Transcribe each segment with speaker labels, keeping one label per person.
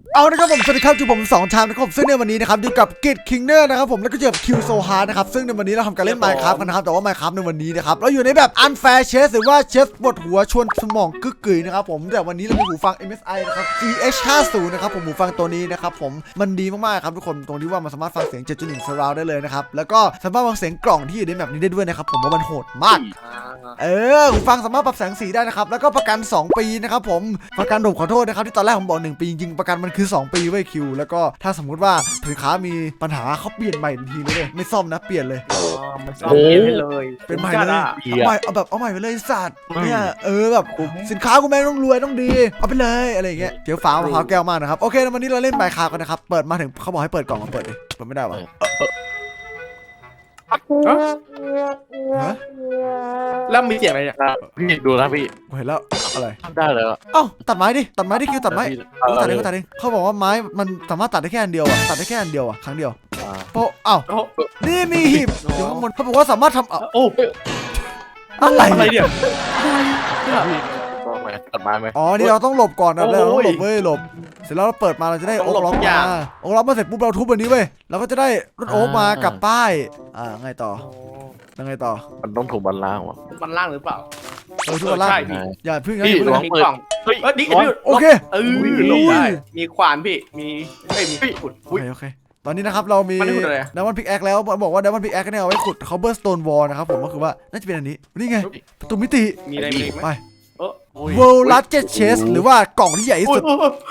Speaker 1: เอานะครับผมสวัสดีครับจูผม2ชามนะครับซึ่งในวันนี้นะครับอยู่กับกิจคิงเนอร์นะครับผมแล้วก็เจอกับคิวโซฮาร์นะครับซึ่งในวันนี้เราทำการเล่น Minecraft กันนะครับแต่ว่า Minecraft ในวันนี้นะครับเราอยู่ในแบบ Unfair Chess หรือว่า Chess ปวดหัวชวนสมองกึกกึ๋ยนะครับผมแต่วันนี้เรามีหูฟัง MSI นะครับ GH50 นะครับผมหูฟังตัวนี้นะครับผมมันดีมากๆครับทุกคนตรงที่ว่ามันสามารถฟังเสียง 7.1 surround ได้เลยนะครับแล้วก็สามารถฟังเสียงกล่องที่อยู่ในแบบนี้ได้ด้วยนะครับผมว่ามันโหดมากหูฟังสามารถปรับแสงสีได้นะครับแล้วก็ประกัน2ปีนะครับผมประกันผมขอโทษนะครับที่ตอนแรกผมบอก1ปีจริงๆประกันมันคือ2ปีไว้คิวแล้วก็ถ้าสมมุติว่าสินค้ามีปัญหาเขาเปลี่ยนใหม่ทันทีเลยไม่ซ่อมนะเปลี่ยนเลย
Speaker 2: มันซ่อมเปลี่ยนให้เลย
Speaker 1: เป็นใหม่เลยเอาใหม่เอาแบบเอาใหม่ไปเลยสัตว์เนี่ยแบบสินค้ากูแม่งต้องรวยต้องดีเอาไปเลยอะไรอย่างเงี้ยเจียวฟ้ามะพร้าวแก้วมากนะครับโอเควันนี้เราเล่นMinecraftกันนะครับเปิดมาถึงเขาบอกให้เปิดกล่องมาเปิดดิเปิดไม่ได้วะ
Speaker 2: แล้วมีเสียงอะไรเนี่ย
Speaker 3: พี่ดูนะพี่
Speaker 1: กูเห็นแล้วอะไร
Speaker 3: ทำได้เลยอ่ะ
Speaker 1: เอ้าตัดไม้ดิคิวตัดไม้กูตัดเองเขาบอกว่าไม้มันสามารถตัดได้แค่อันเดียวอ่ะตัดได้แค่อันเดียวอ่ะครั้งเดียวโป๊ะเอ้านี่มีหีบอยู่ข้างบนเขาบอกว่าสามารถทำ
Speaker 2: โอ้
Speaker 1: อะไร
Speaker 2: เนี่ย
Speaker 3: พี่ตัดไม้ไหม
Speaker 1: อ๋อนี่เราต้องหลบก่อนนะแล้วหลบเว้ยหลบเสร็จแล้วเราเปิดมาเราจะได้โอ๊กล็อกมาโอ๊กล็อกมาเสร็จปุ๊บเราทุบแบบนี้เว้ยเราก็จะได้รถโอ๊กมากับป้ายไงต่อ
Speaker 3: มันต้องถูกบรรลังก์วะ
Speaker 2: มันล่างหรือเปล่า
Speaker 1: ทุบกันล่าง
Speaker 2: ใช่พี่
Speaker 1: อย่าพึ่งนะ
Speaker 3: พี่
Speaker 1: อย่าพึ่ง
Speaker 3: ลอง
Speaker 2: มี
Speaker 3: เปิด
Speaker 2: กล่อง
Speaker 3: เฮ้ย
Speaker 2: นี่
Speaker 1: โอเค
Speaker 2: ลงได้มีขวานพี่มีขุด
Speaker 1: โอเคตอนนี้นะครับเรามี
Speaker 2: มันขุดอะไร
Speaker 1: ดามอนพิกแอคแล้วบอกว่าดามอนพิกแอคเนี่ยเอาไว้ขุดคอเบอร์สโตนวอลนะครับผมก็คือว่าน่าจะเป็นอันนี้นี่ไงประตูมิติ
Speaker 2: มีอะไรไหม
Speaker 1: ไป
Speaker 2: โอ้ย
Speaker 1: World Largest Chest หรือว่ากล่องที่ใหญ่ที่สุด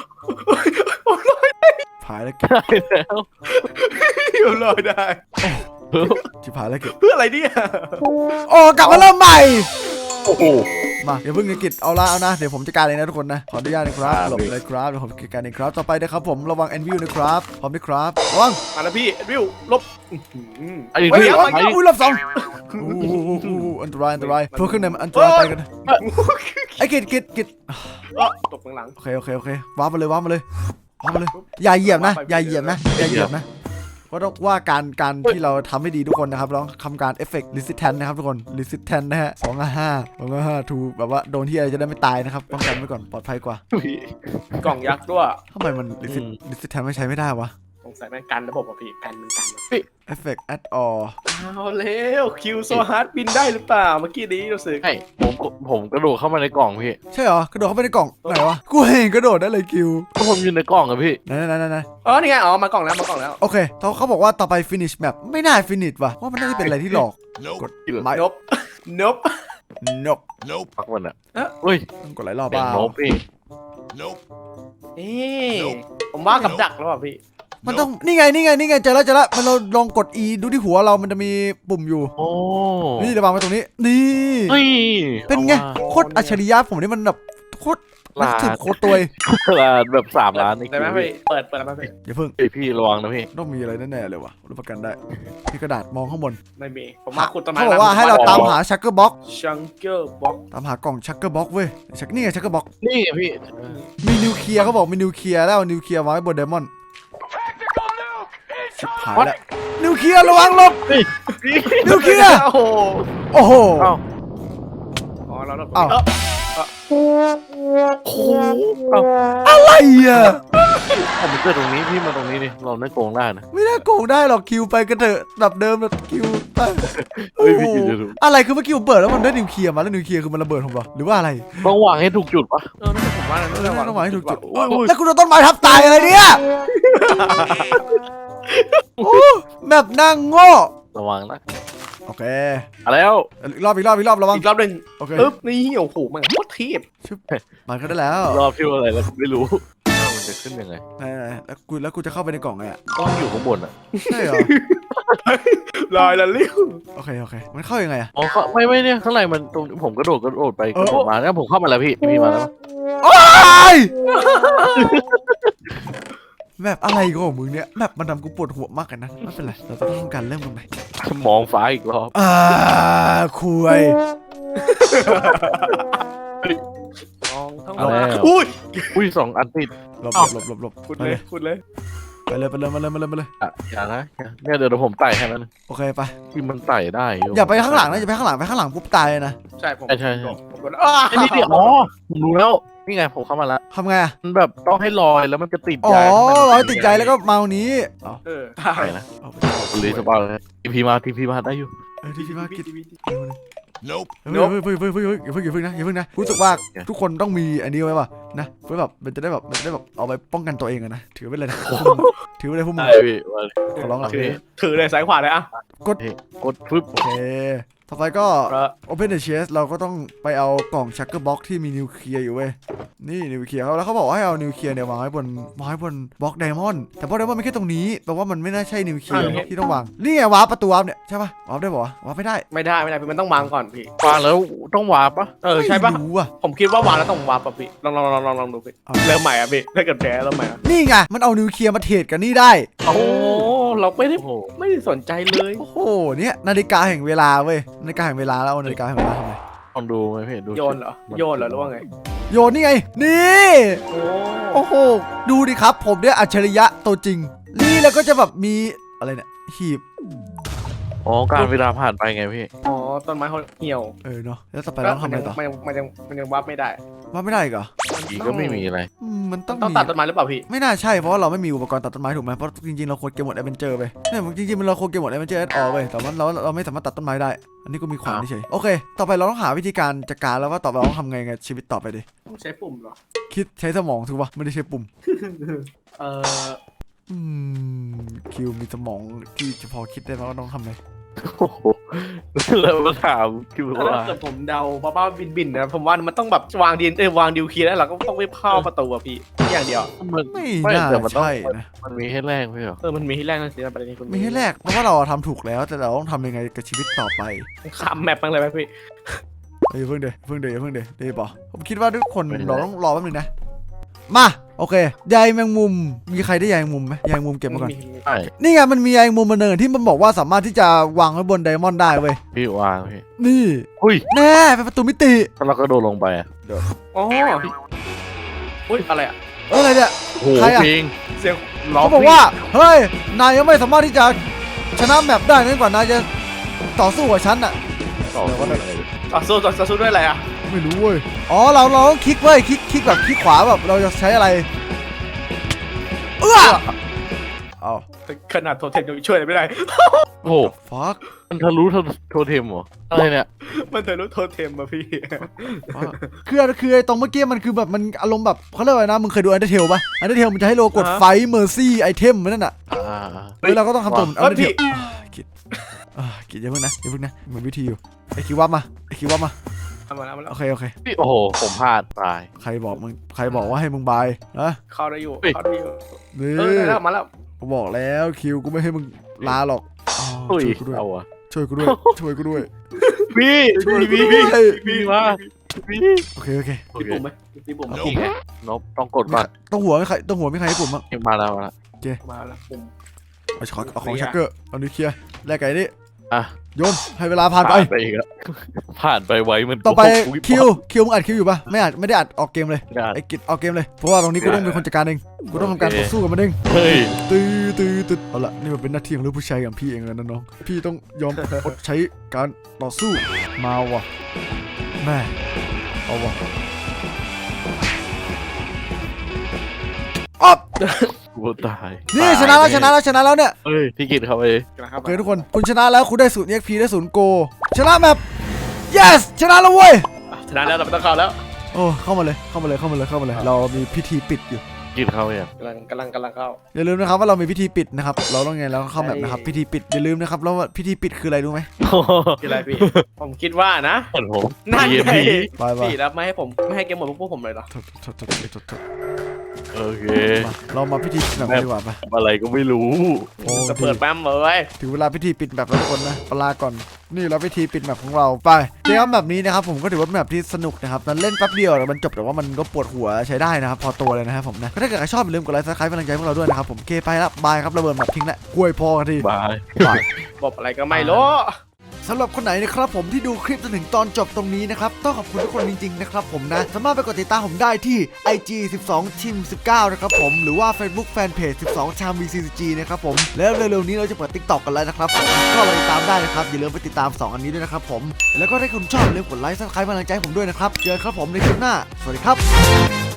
Speaker 1: ผายแล้วเก็บ
Speaker 3: ได้แล้ว
Speaker 2: ลอยได้
Speaker 1: ชิบหายแล้วเก็บ
Speaker 2: เพื่ออะไรเนี่ย
Speaker 1: โอ้กลับมาเริ่มใหม่
Speaker 3: โอ้โห
Speaker 1: มาเดี๋ยวเพิ่งกิจเอาละเอานะเดี๋ยวผมจัดการเองนะทุกคนนะขออนุญาตนะครับหลบเลยครับเดี๋ยวผมจัดการเองครับต่อไปนะครับผมระวังแอนวิลนะครับพร้อมไหมครับระวัง
Speaker 2: มาแล้วพี่วิวลบ
Speaker 3: ไอ้พี่
Speaker 1: ระวัง
Speaker 3: ไอ้
Speaker 1: อุ้ยรอบสองอันตรายเพราะข้างในมันอันตรายไปกันไอ้กิจ
Speaker 2: ตกหลัง
Speaker 1: โอเคว้ามาเลยอย่าเหยียบนะเพราะต้องว่าการที่เราทำให้ดีทุกคนนะครับเราต้องทำการเอฟเฟกต์ resistant นะครับทุกคน resistant นะฮะ255 ถูกแบบว่าโดนที่อะไรจะได้ไม่ตายนะครับป้องกันไว้ก่อนปลอดภัยกว่า
Speaker 2: กล่องยักษ์ด้วย
Speaker 1: ทำไมมัน resistant ไม่ใช้ไม่ได้วะ
Speaker 2: สงสัยแม่งกันระบบอ่ะพี่กันมันกัน
Speaker 1: effect at all
Speaker 2: เอาแล้วคิวโซฮาร์ดบินได้หรือเปล่าเมื่อกี้นี้รู้สึก
Speaker 3: ไอ้ผมกระโดดเข้ามาในกล่องพี่
Speaker 1: ใช่เหรอกระโดดเข้าไปในกล่องไหนวะกูเห็นกระโดดได้เลยคิว
Speaker 3: ก็ผมอยู่ในกล่องอะพี่
Speaker 1: ไหน
Speaker 2: อ๋อนี่ไงอ๋อมากล่องแล้ว
Speaker 1: โอเคเขาบอกว่าต่อไป finish map ไม่น่า finish ว่ะเพราะมันน่าจะเป็นอะไรที่หลอกกดไม้
Speaker 2: นบ
Speaker 3: พักมันอะเฮ้ย
Speaker 1: ต้องกดหลายรอบ
Speaker 3: เสียง
Speaker 1: บ้า
Speaker 3: โน้พี่
Speaker 2: ผมว่ากับดักแล้วป่ะพี่
Speaker 1: มันต้องนี่ไงเจอแล้วมันเราลองกด E ดูที่หัวเรามันจะมีปุ่มอยู่
Speaker 3: โอ้
Speaker 1: นี่ระวังไว้ตรงนี้นี่
Speaker 3: เฮ้ย
Speaker 1: เป็นไงโคตรอัจฉริยะผมนี่มันแบบโคตรนึกถึงโคตรตัว
Speaker 3: ตลาดแบบ3 ล้านนี่
Speaker 2: ได้ไหมพี่เปิดแล้วพี่
Speaker 1: อย่าเพิ่ง
Speaker 3: ไอพี่ระวังนะพี่
Speaker 1: ต้องมีอะไรแน่ๆเลยวะรับประกันได้พี่กระดาษมองข้างบน
Speaker 2: ไม่มีผมมาขุดต้นไม้
Speaker 1: เขาบอกว่าให้เราตามหาชักเกอร์บ็อก
Speaker 2: ชังเกอร์บ็อก
Speaker 1: ตามหากล่องชักเกอร์บ็อกเว้ยนี่ไงชักเกอร์บ็อก
Speaker 3: นี่ไงพี่
Speaker 1: มีนิวเคลียร์เขาบอกมีนิวเคลียร์แล้วเอานิวเคลียร์ไว้บนไดมอนด์ชิบหายแล้วนิวเคลียร์ระวังหลบนิวเคลียร์
Speaker 2: โอ้โห
Speaker 1: โอ้โห
Speaker 2: อ๋อเรา
Speaker 1: อะไรอ่ะ
Speaker 3: ผมเกิดตรงนี้พี่มาตรงนี้นี่เราไม่โกงได้นะ
Speaker 1: ไม่น่าโกงได้หรอกคิวไปกันเถอะแบบเดิมแบบคิวไป
Speaker 3: เฮ้ยพี่คิวจะดู
Speaker 1: อะไรคือเมื่อกี้ผมเปิดแล้วมันได้นิวเคลียร์มาแล้วนิวเคลียร์คือมันระเบิดผมเหรอหรือว่าอะไร
Speaker 3: ต้องวางให้ถูกจุดปะ
Speaker 2: ไม่ใช่ผมว่านะ
Speaker 1: ต้องวางให้ถูกจุดแล้วคุณโดนต้นไม้ทับตายอะไรเนี่ยโอ้แบบนั่งโง่
Speaker 3: ระวังนะ
Speaker 1: โอเค
Speaker 3: มาแล้ว
Speaker 1: อีกรอบระวัง
Speaker 2: อีกรอบหนึ่ง
Speaker 1: โอเค
Speaker 2: ปึ๊บนี่โอ้โหมันโคตรเทพ
Speaker 1: มันก็ได้แล้ว
Speaker 3: รอบที่อะไรแล้วไม่รู้มันจะขึ้นยังไง
Speaker 1: แล้วกูจะเข้าไปในกล่องไงอ่ะ
Speaker 3: ต้องอยู่ข้างบนอ่ะ
Speaker 1: ใช่เหรอ
Speaker 2: ลอยละลิ้ว
Speaker 1: โอเคมันเข้ายังไงอ่ะ
Speaker 3: อ๋อไม่เนี่ยข้างในมันตรงผมกระโดดไปกระโดดมาแล้วผมเข้ามาแล้วพี่มาแล้ว
Speaker 1: โอ้ยแบบอะไรของมึงเนี่ยแบบมันทำกูปวดหัวมากกันนะไม่เป็นไรเราจะต้องทำการเริ่มตรงไหน
Speaker 3: มองฟ้าอีกรอบ
Speaker 1: คุย
Speaker 3: อุ้ย2 อันติด
Speaker 1: หลบ
Speaker 2: ขุดเลย
Speaker 1: ไปเลย
Speaker 3: อย่านะเนี่ยเดี๋ยวผมไต่ให้มัน
Speaker 1: โอเคไป
Speaker 3: ที่มันไต่ได้
Speaker 1: อย่าไปข้างหลังนะอย่าไปข้างหลังปุ๊บตายนะ
Speaker 2: ใช่ผม
Speaker 3: ใช่
Speaker 2: ผม
Speaker 3: ไอ้นี่ดิอ๋อผมรู้แล้วนี่ไงผมเข้ามาแล้ว
Speaker 1: ทำไงอะ
Speaker 3: มันแบบต้องให้ลอยแล้วมันจะติด
Speaker 1: อ๋อ
Speaker 3: ใจข้างใน
Speaker 1: ร้อยติดใจแล้วก็มาตรงนี้อ๋อ
Speaker 2: ได้
Speaker 3: ใช่นะ
Speaker 1: เอาไป
Speaker 3: รีสปาร์เลยทีพีมาได้อยู่
Speaker 1: ที่พี่มาคิด
Speaker 2: Nope
Speaker 1: เฮ้ยอย่าเพิ่งนะรู้สึกว่าทุกคนต้องมีอันนี้ไว้ป่ะนะเพื่อแบบมันจะได้แบบเอาไปป้องกันตัวเองอะนะถือไว้เลยนะถือไว้เลยพวกมึง
Speaker 3: ได้พี่มา
Speaker 1: ขอร้องหลัง
Speaker 2: ถือเลยซ้ายขวาเลยอ่ะ
Speaker 3: กดปึ๊บ
Speaker 1: โอเคต่อไปก็ Open the chest เราก็ต้องไปเอากล่องชักเกอร์บ็อกที่มีนิวเคลียร์อยู่เว้ยนี่นิวเคลียร์เขาแล้วเขาบอกว่าให้เอานิวเคลียร์เนี่ยวางไว้บนบล็อกไดมอนด์แต่บล็อกไดมอนด์ไม่แค่ตรงนี้แปลว่ามันไม่น่าใช่นิวเคลียร์ที่ต้องวางนี่ไงวาร์ปประตูวาร์ปเนี่ยใช่ป่ะวาร์ปได้ป่ะวาร์ปไม่ได้
Speaker 2: ไม่ได้มันต้องวางก่อนพี่
Speaker 3: วางแล้วต้องวาร์ปปะ
Speaker 2: ใช่ปะ
Speaker 1: ไม่รู้อ่ะ
Speaker 2: ผมคิดว่าวางแล้วต้องวางป่ะพี่ลองดูพี่เริ่มใหม่อ่ะพี่ถ้าเกิดแพ้เริ่มใหม่
Speaker 1: นี่ไงมันเอานิวเคลียร์มาเทรดกันนี่ได้
Speaker 2: โอ้เราไม่ได้
Speaker 3: โอ้โห
Speaker 2: ไม่ได้สนใจเลย
Speaker 1: โอ้โหเนี่ยนาฬิกาแห่งเวลาเว้ยนาฬิกาแห่งเวลาแล้วเอานาฬิกาแห่งเวลาทำไม
Speaker 3: ลองดูไหมพี่ดู
Speaker 2: โยนเหรอหรือว่าไง
Speaker 1: โยนนี่ไงนี่ โอ้โหดูดิครับผมเนี่ยอัจฉริยะตัวจริงนี่แล้วก็จะแบบมีอะไรเนี่ยหีบ
Speaker 3: อ๋อการเวลาผ่านไปไงพี่
Speaker 2: อ๋อต้นไม้เขาเหี่ยว
Speaker 1: เนาะแล้วต่อไปเราต้องทำอะไรต่อ
Speaker 2: มันยังวับไม่ได้
Speaker 1: ว่าไม่ได้อีกเหรอ
Speaker 3: อีกก็ไม่มีอะไร
Speaker 1: มันต้อง
Speaker 2: ต้อง
Speaker 1: มี
Speaker 2: ตัดต้นไม้หรือเปล่าพี่
Speaker 1: ไม่น่าใช่เพราะว่าเราไม่มีอุปกรณ์ตัดต้นไม้ถูกไหมเพราะจริงๆเราโคดเกมหมดแอดเวนเจอร์ไปเนี่ยจริงๆเราโคดเกมหมดแอดเวนเจอร์แอดออลไปแต่ว่าเราไม่สามารถตัดต้นไม้ได้ อันนี้ก็มีขวานเฉยโอเค ต่อไปเราต้องหาวิธีการจัดการแล้วว่าต่อไปเราต้องทำไงกับชีวิตต่อไปดิ
Speaker 2: ต้องใช้ปุ่มเหรอ
Speaker 1: คิดใช้สมองถูกปะไม่ได้ใช้ปุ่ม
Speaker 2: เออ
Speaker 1: อืมคิวมีสมองที่จะพอคิดได้ไหมว่าต้องทำไง
Speaker 3: โอ้โหแล้วมาถามคิว
Speaker 2: ถ้า
Speaker 3: ว่า
Speaker 2: เกิดผมเดาบ้าบินนะผมว่ามันต้องแบบวางวางดิวคีย์แล้วเราก็ต้องไปเข้าประตูอะพี่อย่างเดียว
Speaker 3: มัน
Speaker 1: ไม่น่า
Speaker 3: แต่มันต้อง
Speaker 1: ใช่นะ
Speaker 3: มันมีให้แรกพี่เหรอ
Speaker 2: มันมีที่แรกนั่นสิประเด็นนี้คุณ
Speaker 1: มีให้แรกเพราะว่าเราทำถูกแล้วแต่เราต้องทำยังไงกับชีวิตต่อไป
Speaker 2: ข้ามแมปบ้างเลยไหมพี่
Speaker 1: เฮ้ยเพิ่งเดย์ป่ะผมคิดว่าทุกคนเราต้องรอแป๊บนึงนะมาโอเคใยแมงมุมมีใครได้ใยแมงมุมไหมใยแมงมุมเก็บมาก่อน
Speaker 3: ใช่
Speaker 1: นี่ไงมันมีใยแมงมุมมาเนินที่มันบอกว่าสามารถที่จะวางไว้บนไดมอนด์ได้เว้ย
Speaker 3: พี่วางพี่
Speaker 1: นี่
Speaker 3: อุ้ย
Speaker 1: แน่เป็นประตูมิติ
Speaker 3: ถ้าเราก็โดดลงไปอ่ะ
Speaker 2: อ๋ออุ้ยอะไรอะ
Speaker 1: อะไรเนี่ย
Speaker 3: โอ้โห
Speaker 1: ใครอะ
Speaker 3: เพลง
Speaker 2: เสียง
Speaker 3: ร้อง
Speaker 1: เขาบอกว่าเฮ้ยนายยังไม่สามารถที่จะชนะแมปได้นั่นกว่านายจะต่อสู้กับฉันอะ
Speaker 3: ต่อ
Speaker 2: ต่อสู้ด้วยอะไรอะ
Speaker 1: ไม่รู้เว้ยอ๋อเราต้องคลิกเว้ยคลิกแบบคลิกขวาแบบเราจะใช้อะไรเอา
Speaker 2: ขนาดโทเทมยังช่วยอะไรไม่ได้
Speaker 3: โอ้โห
Speaker 1: ฟัก
Speaker 3: มันทะลุโทเทมเหรออะไรเนี่ย
Speaker 2: มันเธอรู้โทเทมมาพี่
Speaker 1: คือไอ้ตรงเมื่อกี้มันคือแบบมันอารมณ์แบบเขาเรียกว่าอะไรนะมึงเคยดูอันเดอร์เทลป่ะอันเดอร์เทลมันจะให้โลกดไฟเมอร์ซี่ไอเทมนั่นน่ะ
Speaker 3: อ่า
Speaker 1: แล้วเราก็ต้องทำตัวเหมือนอันเดอร์เทล
Speaker 2: พี่
Speaker 1: กิดกิดอย่าเพิ่งนะมันวิธีอยู่ไอคิวว่ามา
Speaker 2: มาแล้ว
Speaker 1: โอเค
Speaker 3: พี่โอ้โหผมพลาดตาย
Speaker 1: ใครบอกว่าให้มึงบายนะ
Speaker 2: เข้าได้อยู่
Speaker 1: นี่
Speaker 2: ได้แล้วมาแล้ว
Speaker 1: กูบอกแล้วคิวกูไม่ให้มึงลาหรอก
Speaker 3: อุ้ย
Speaker 1: ช่วยกูด้วย
Speaker 3: เอาอะ
Speaker 1: ช่วยกูด้วย
Speaker 3: พี่
Speaker 2: พี่
Speaker 3: มาพี่
Speaker 1: โอเค
Speaker 2: มีปุ่มไหมมีปุ่ม
Speaker 3: นี่ไงนบต้องกดก่อน
Speaker 1: ต้องหัวไม่ใครให้ปุ่มมั้ง
Speaker 3: มาแล้ว
Speaker 2: มาแล้วปุ่ม
Speaker 1: เอาของชักเกอร์เอานิวเคลียร์แลกไก่นี่
Speaker 3: อ่ะ
Speaker 1: โยนให้เวลาผ่านไป
Speaker 3: อีกแล้วผ่านไปไวมัน
Speaker 1: ต่อไปคิวมึงอัดคิวอยู่ปะไม่ได้อัดออกเกมเลยไอ้กิจออกเกมเลยเพราะว่าตรงนี้กูต้องเป็นคนจัดการเองกูต้องทำการต่อสู้กับมันเอง
Speaker 3: เฮ้ย
Speaker 1: ตื้อเอาละนี่มันเป็นหน้าที่ของลูกผู้ชายอย่างพี่เองแล้วนะน้องพี่ต้องยอมอดใช้การต่อสู้มาว่ะแม่เอาว่ะอ๊อบ
Speaker 3: กูตาย
Speaker 1: นี่ชนะแล้วเนี่ย
Speaker 3: เฮ้ยพี่กิตเข้าไป
Speaker 1: โอเคทุกคนคุณชนะแล้วคุณได้0 EXP ได้0 Go ชนะแมป yes ชนะแล้วเว้ย
Speaker 2: ชนะแล้วเราไม่ต้องเข้าแล้ว
Speaker 1: โอ้เข้ามาเลยเรามีพิธีปิดอยู่
Speaker 3: กิตเข้าไปอ่ะ
Speaker 2: กำลังเข้า
Speaker 1: อย่าลืมนะครับว่าเรามีพิธีปิดนะครับเราต้องไงเราเข้าแมปนะครับพิธีปิดอย่าลืมนะครับแล้วพิธีปิดคืออะไรรู้ไหม
Speaker 2: คืออะไรพี่ผมคิดว่านะ
Speaker 3: เหมือนผม
Speaker 2: นั่นไง
Speaker 1: ไป
Speaker 2: พี่แล้วไม่ให้เกมหมดพวกผมเลยเหรอ
Speaker 3: โอเค
Speaker 1: เรามาพิธีปิดแบบดีกว่าไป
Speaker 3: อะไรก็ไม่รู้
Speaker 2: จะเปิดแป๊มเลย
Speaker 1: ถึงเวลาพิธีปิดแบบแล้วทุกคนนะปลาก่อนนี่เราพิธีปิดแบบของเราไปเกมแบบนี้นะครับผมก็ถือว่าเป็นแบบที่สนุกนะครับมันเล่นแป๊บเดียวมันจบแต่ว่ามันก็ปวดหัวใช้ได้นะครับพอตัวเลยนะครับผมนะถ้าเกิดใครชอบอย่าลืมกดไลค์ซับสไครป์เป็นกำลังใจพวกเราด้วยนะครับผมเคไปละบายครับระเบิดแบบทิ้งละกล้วยพอกันที
Speaker 3: บาย
Speaker 1: บาย
Speaker 2: บอกอะไรก็ไม่รู้
Speaker 1: สำหรับคนไหนนะครับผมที่ดูคลิปจนถึงตอนจบตรงนี้นะครับต้องขอบคุณทุกคนจริงๆนะครับผมนะสามารถไปกดติดตามผมได้ที่ IG 12 Team 19นะครับผมหรือว่า Facebook Fanpage 12 Cham VCG นะครับผมแล้วเร็วๆนี้เราจะเปิด TikTok กันแล้วนะครับผมก็ไปติดตามได้นะครับอย่าลืมไปติดตาม2อันนี้ด้วยนะครับผมแล้วก็ถ้าคุณชอบอย่าลืมกดไลค์ Subscribe กำลังใจให้ผมด้วยนะครับเจอกันครับผมในคลิปหน้าสวัสดีครับ